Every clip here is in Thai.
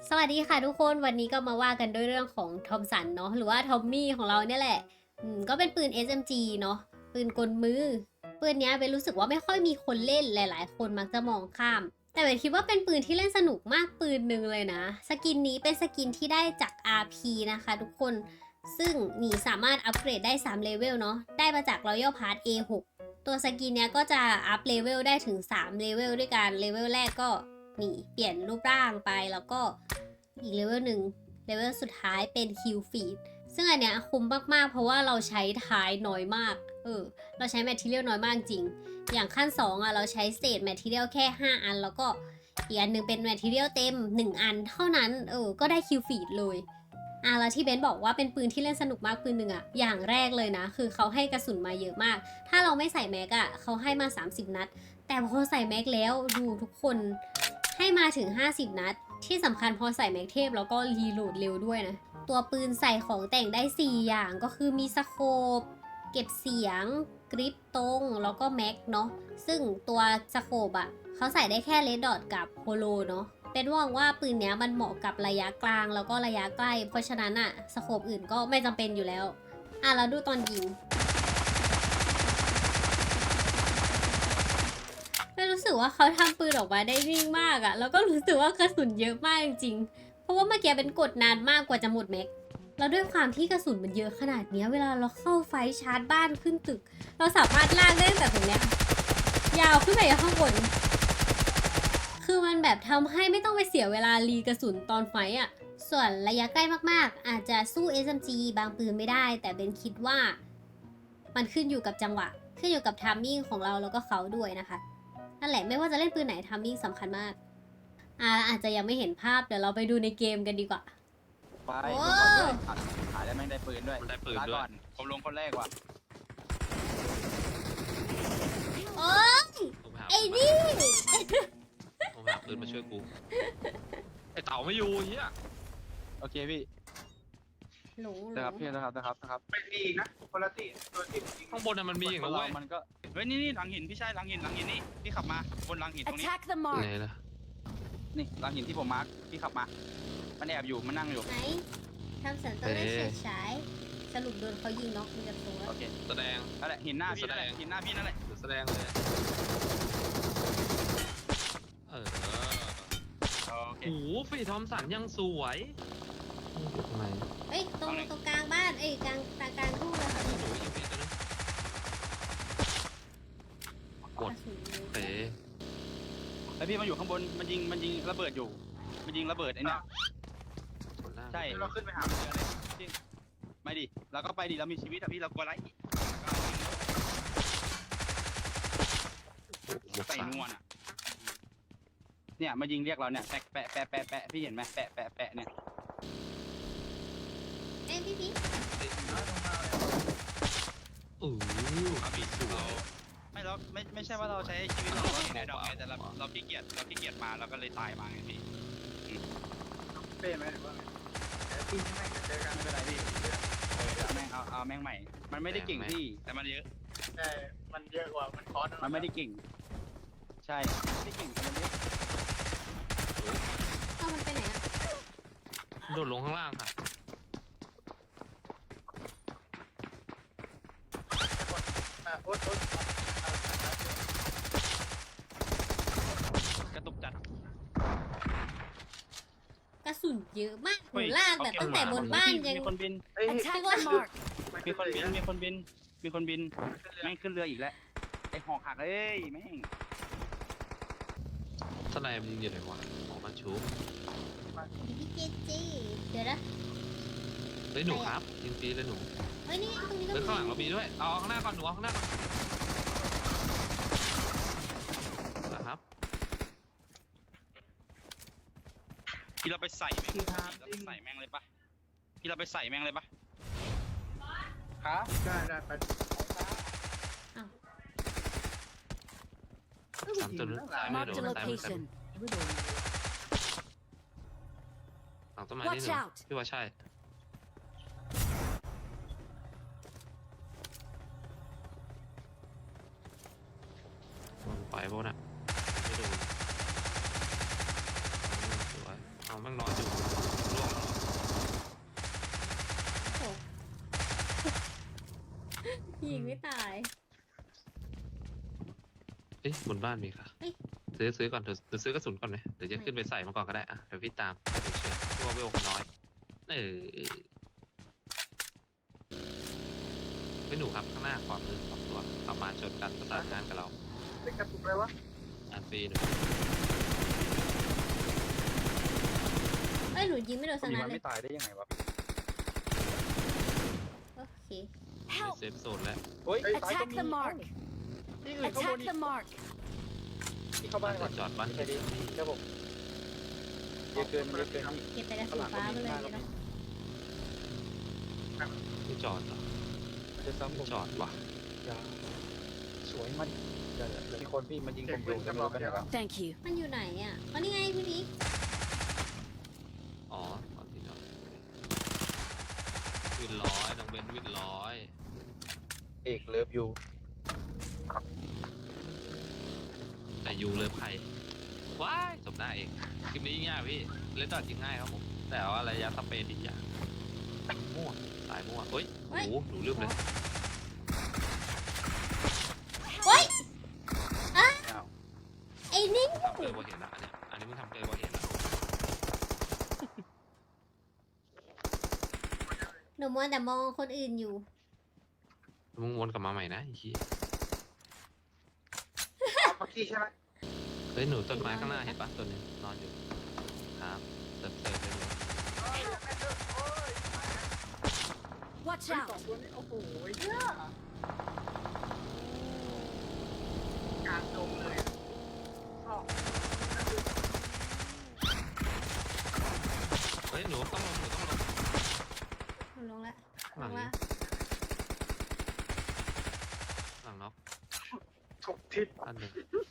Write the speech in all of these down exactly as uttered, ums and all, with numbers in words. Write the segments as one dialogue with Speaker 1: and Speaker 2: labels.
Speaker 1: สวัสดีค่ะทุกคนวันนี้ก็มาว่ากันด้วยเรื่องของทอมสันเนาะหรือว่าทอมมี่ของเราเนี่ยแหละอืมก็เป็นปืน เอส เอ็ม จี เนาะปืนกลมือปืนเนี้ยเบนรู้สึกว่าไม่ค่อยมีคนเล่นหลายๆคนมักจะมองข้ามแต่เบนคิดว่าเป็นปืนที่เล่นสนุกมากปืนหนึ่งเลยนะสกินนี้เป็นสกินที่ได้จาก อาร์ พี นะคะทุกคนซึ่งนี่สามารถอัปเกรดได้สามเลเวลเนาะได้มาจาก Royal Pass เอ หก ตัวสกินเนี้ยก็จะอัพเลเวลได้ถึงสามเลเวลด้วยกันเลเวลแรกก็นี่เปลี่ยนรูปร่างไปแล้วก็อีกเลเวลหนึ่งเลเวลสุดท้ายเป็นคิวฟีดซึ่งอันเนี้ยคุ้มมากๆเพราะว่าเราใช้ท้ายน้อยมากเออเราใช้แมทเทียลน้อยมากจริงอย่างขั้นสองอ่ะเราใช้เศษแมทเทียลแค่ห้าอันแล้วก็อีกอันหนึ่งเป็นแมทเทียลเต็มหนึ่งอันเท่านั้นเออก็ได้คิวฟีดเลยอ่ะแล้วที่เบนบอกว่าเป็นปืนที่เล่นสนุกมากปืนหนึ่งอะอย่างแรกเลยนะคือเขาให้กระสุนมาเยอะมากถ้าเราไม่ใส่แม็กอะเขาให้มาสามสิบนัดแต่พอใส่แม็กแล้วดูทุกคนให้มาถึงห้าสิบนัดที่สำคัญพอใส่แม็กเทพแล้วก็รีโหลดเร็วด้วยนะตัวปืนใส่ของแต่งได้สี่อย่างก็คือมีสโคปเก็บเสียงกริปตรงแล้วก็แม็กเนาะซึ่งตัวสโคปอะเขาใส่ได้แค่เลดดอทกับโฮโลเนาะเป็นว่างว่าปืนเนี้ยมันเหมาะกับระยะกลางแล้วก็ระยะใกล้เพราะฉะนั้นอะสโคปอื่นก็ไม่จำเป็นอยู่แล้วอ่ะเราดูตอนยิงไม่รู้สึกว่าเขาทำปืนออกมาได้นิ่งมากอะแล้วก็รู้สึกว่ากระสุนเยอะมากจริงๆเพราะว่าเมื่อกี้เป็นกดนานมากกว่าจะหมดแม็กแล้วด้วยความที่กระสุนมันเยอะขนาดนี้เวลาเราเข้าไฟชาร์จบ้านขึ้นตึกเราสามารถลากได้ตั้งแต่ตรงเนี้ยยาวขึ้นไปข้างบนคือมันแบบทำให้ไม่ต้องไปเสียเวลารีกระสุนตอนไฟอ่ะส่วนระยะใกล้มากๆอาจจะสู้ เอส เอ็ม จี บางปืนไม่ได้แต่เบนคิดว่ามันขึ้นอยู่กับจังหวะขึ้นอยู่กับไทมิ่งของเราแล้วก็เขาด้วยนะคะนั่นแหละไม่ว่าจะเล่นปืนไหนไทมิ่งสำคัญมากอ่าอาจจะยังไม่เห็นภาพเดี๋ยวเราไปดูในเกมกันดีกว่า
Speaker 2: ไป
Speaker 1: โอ้
Speaker 2: ดูก่อนด้วยถ่ายถ่ายแล้วแม่งได้ปืนด้วย
Speaker 3: มันได้ปืน
Speaker 2: ลา
Speaker 3: ด้วย
Speaker 2: ก่อนผมลงคนแรกว่ะ
Speaker 1: โอ๊ย
Speaker 3: ผมหา
Speaker 1: ไอ้นี่
Speaker 3: ผมหาปืนมาช่วยกู ไอเต่าไม่อยู่เฮีย
Speaker 2: โอเคพี่
Speaker 1: หลงหล
Speaker 2: นะครับ
Speaker 1: ง
Speaker 2: พี่นะครับนะครับนะครับ
Speaker 4: ไม่ดีอีกนะคนละตีตัวที่จริง
Speaker 3: ข้างบนน่ะมันมีอย่าง
Speaker 2: ค
Speaker 3: นะ
Speaker 2: นเรา
Speaker 3: เว้ย
Speaker 2: มันก็
Speaker 4: เฮ้ยนี่นี่หลังหินพี่ชายหลังหินหลังหินนี่พี่ขับมาบนหลังหินตรงนี้
Speaker 5: Attack the mark.
Speaker 3: ไหนล่ะ
Speaker 2: นี่หลังหินที่ผมมาร์คพี่ขับมา มันแอบอยู่มันนั่งอยู่
Speaker 1: ไหนทำสันต้องได้เฉยฉายสรุปโดนเขายิงน็อกมีกับตัว
Speaker 2: โอเค
Speaker 3: แสดง
Speaker 2: นั่นแหละหินหน้าพี่นั่นแหละ
Speaker 3: แสดง
Speaker 2: หินหน้าพี่นั่นแหละ
Speaker 3: เดี๋ยวแสดงเลย เออ
Speaker 2: โอเค
Speaker 3: โอ้โหฟีทอมสันยังสวยทำไม
Speaker 1: เอ้ยตรงตรงกลางบ้านเอ้ยกลางกลางกลางทุ่งเลยค่ะ
Speaker 3: โอ้โหยิงฟีตัวนึงกด
Speaker 1: กระสุนเลย
Speaker 3: เต๋
Speaker 2: แล้วพี่มาอยู่ข้างบนมันยิงมันยิงระเบิดอยู่ มันยิงระเบิดไอ้เนี่ย
Speaker 3: กดล่าง
Speaker 2: ใช่
Speaker 4: ๆเราขึ้นไปหาเรือเลย
Speaker 2: ไม่ดิเราก็ไปดิเรามีชีวิตอะพี่เรากลัวอะไร
Speaker 3: โอ้โหหมวก
Speaker 2: ใส่
Speaker 3: สาม
Speaker 2: นวลอะเนี่ยมายิงเรียกเราเนี่ยแปะแปะแปะแปะแปะพี่เห็นไหมแปะแปะแปะเนี่ย
Speaker 1: เอ้ยพี่พี่
Speaker 3: โอ้โห
Speaker 4: ครับพี่
Speaker 3: สวย
Speaker 4: ไม่เราไม่ไม่ใช่ว่าเราใช้ชีวิตเราในดอกไงแต่เราเราขี้เกียจเราขี้เกียจมาเราก็เลยตายมาไงพี่เป้ไหมหรือว่าไงทีมใช่ไหมเจอกัน
Speaker 2: ไม่เป็นไรพี่เออเอาแม่งเอาเอาแม่งใหม่ มันไม่ได้เก่งพี่
Speaker 4: แต่มันเยอะใช่มันเยอะกว่ามันคอส
Speaker 2: มันไม่ได้เก่ง ใช่ไม่ได้เก่งแต่มันเยอะ
Speaker 1: เอ้ามันไปไหนอ่ะ
Speaker 3: โดดลงข้างล่างค่ะ
Speaker 4: อ่ะโอ๊ตโอ๊ต
Speaker 2: กระตุกจัด
Speaker 1: กระสุนเยอะมากห
Speaker 2: เฮ้
Speaker 1: นู
Speaker 2: ย
Speaker 1: ลากแบบตั้งแต่บนบ้านยัง
Speaker 2: มีคนบิน
Speaker 5: Attack the mark.
Speaker 2: มีคนบิน มีคนบิน มีคนบิน แม่งขึ้นเรืออีกแล้ว ไอหอกหักเอ้ยแม่ง
Speaker 3: สไนมันยิงอยู่ไหนวะออกมาชู
Speaker 1: พี่เจเจเดี๋ยวนะ
Speaker 3: เฮ้ยหนูครับยิงฟรีเลยหนู
Speaker 1: เฮ้ยนี่ตรงนี้ก็
Speaker 3: เฮ้ย
Speaker 1: มี
Speaker 3: ข้างหลังเรามีด้วย เอาข้างหน้าก่อนหนูเอาข้างหน้าก่อนนะครับ
Speaker 4: พี่เราไปใส่แม่งเราไปใส่แม่งเลยปะพี่เราไปใส่แม่งเลยปะ
Speaker 2: ครับ
Speaker 4: ได้ได้ไป
Speaker 3: สามตัวนึงซ้ายมือ
Speaker 5: Mark
Speaker 3: โด
Speaker 5: the
Speaker 3: นซ้ายมือซ้าย
Speaker 5: location.
Speaker 3: มือหลังต้นไม้นี่
Speaker 5: Watch
Speaker 3: หนู
Speaker 5: out.
Speaker 3: พี่ว่าใช่มันไปโบน่ะไม่โดนสวยเอาแม่งนอนอยู่
Speaker 1: ยิงไม่ตาย
Speaker 3: เอ๊ะบนบ้านมีค่ะ
Speaker 1: เอ้ย
Speaker 3: ซื้อซื้อก่อนเดี๋ยวเดี๋ยวซื้อกระสุนก่อนไหมเดี๋ยวจะขึ้นไปใส่มาก่อนก็ได้อะเดี๋ยวพี่ตามให้ดูเชื่อเพราะว่าเวลน้อยเออไม่หนูครับข้างหน้าขวามือสองตัวขับมาชนกันประสานงานกับเรา
Speaker 4: เป็นกระตุกเลยวะ
Speaker 3: อันฟรีหนู
Speaker 1: เอ้ยหนูยิงไม่โดนสัก
Speaker 2: มี
Speaker 1: นั
Speaker 2: มั
Speaker 1: ด
Speaker 2: น
Speaker 1: เล
Speaker 2: ไม่
Speaker 1: ย
Speaker 2: ตายได้ยังไงวะ
Speaker 1: โอเค
Speaker 3: ในเซฟโซนแล้ว
Speaker 2: เฮ้ยตายก็
Speaker 5: Attack
Speaker 2: มี
Speaker 5: the mark.
Speaker 2: ที่อื่นข้างบน
Speaker 5: Attack
Speaker 2: อีก
Speaker 5: the mark.
Speaker 2: ที่เข้าบ้านก่อน
Speaker 3: จอดบ้าน
Speaker 2: ไปดิครับผมเยอะเกินเยอะเกินพี่
Speaker 1: เก็บแต่กระสุนฟ้ามาเลยเนาะ
Speaker 3: ไม่จอดเหรอ
Speaker 2: จะซ้ำผ
Speaker 3: ไม่
Speaker 2: ม
Speaker 3: จอดว่ะ
Speaker 2: อย่าสวยมันเดี๋ยวเดี๋ยวมีคนพี่มันยิงผมอยู่จะไม่รู้ไปไหนแล้ว
Speaker 5: Thank you.
Speaker 1: มันอยู่ไหนอ่ะอ๋อนี่ไงพี่บิ๊ก
Speaker 3: อ๋อตอนที่จอดวินร้อยน้องเบนวินร้อย
Speaker 2: เอกเลิฟยู
Speaker 3: แต่ยูเลยใครว้ายสมหน้าเองคลิปนี้ง่ายพี่เล่นต่อจริงง่ายครับผมแต่ว่าระยะสเปนอีกอย่างมั่วสายมั่วเฮ้ยโอ้โหหนูลืมเลย
Speaker 1: เฮ้ย
Speaker 2: อ้าว
Speaker 1: ไอ้นี่
Speaker 3: ทำเกินกว่าเห็นละอันเนี้ยอันนี้มึงทำเกินกว่าเห็นละ
Speaker 1: หนูมัวแต่มองคนอื่นอยู่
Speaker 3: มึงวนกลับมาใหม่นะไอ้เหี้ย
Speaker 4: เมื่อกี้ใช่ไหม
Speaker 3: เฮ้ยหนูต้นไม้ข้างหน้าเห็นปะตัวหนึงนอนอยู่ครับเสิร์ฟเสิร์ฟเลยหนู
Speaker 5: Watch
Speaker 4: สอง
Speaker 5: out.
Speaker 4: ตัวนี้โอ้โหเหี้ยกลางดงเลยอ้าว
Speaker 3: เฮ้ยหนูต้องลงหนูต้องลง
Speaker 1: หนูลงละ
Speaker 3: ห
Speaker 1: ล
Speaker 3: ลัง
Speaker 1: ง
Speaker 3: นี้
Speaker 1: ละ
Speaker 3: หลังน็อก
Speaker 4: ถูกทิศ
Speaker 3: อันหนึ่ง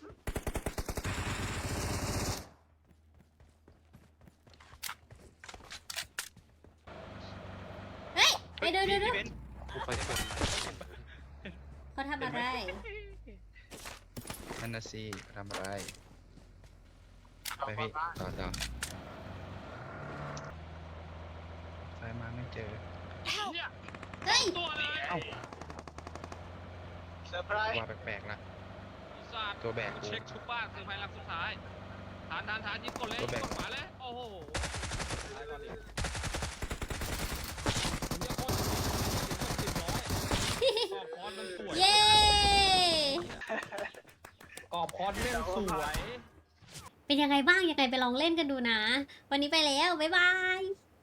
Speaker 1: เฮ้ยไปเดี๋ยวเดี๋ยวเดี๋ยว
Speaker 3: กูไปชน
Speaker 1: เขาทำอะไร
Speaker 2: นั่นนะสิทำอะไรไปพี่ต่อต่อสายมาไม่เจอ
Speaker 1: เฮ้ย
Speaker 3: ตัวเลย
Speaker 2: เอ้า
Speaker 4: เซอร์ไพรส์
Speaker 2: ว่าแปลกๆนะ
Speaker 3: ศาสตร์
Speaker 2: ตัวแบกกู
Speaker 3: เช็คชุบบ้านคือภายหลังสุดท้ายฐานฐานฐานยิงกดเลย
Speaker 2: ตัวแบ
Speaker 3: ยิ
Speaker 2: ก
Speaker 3: งกดขวาเลยโอ้โหตายก่อนดิผมจะโคตรขอบพรมันสวย
Speaker 1: เย้
Speaker 3: ขอบพรเล่นสวย
Speaker 1: เป็นยังไงบ้างยังไงไปลองเล่นกันดูนะ วันนี้ไปแล้ว บ๊ายบาย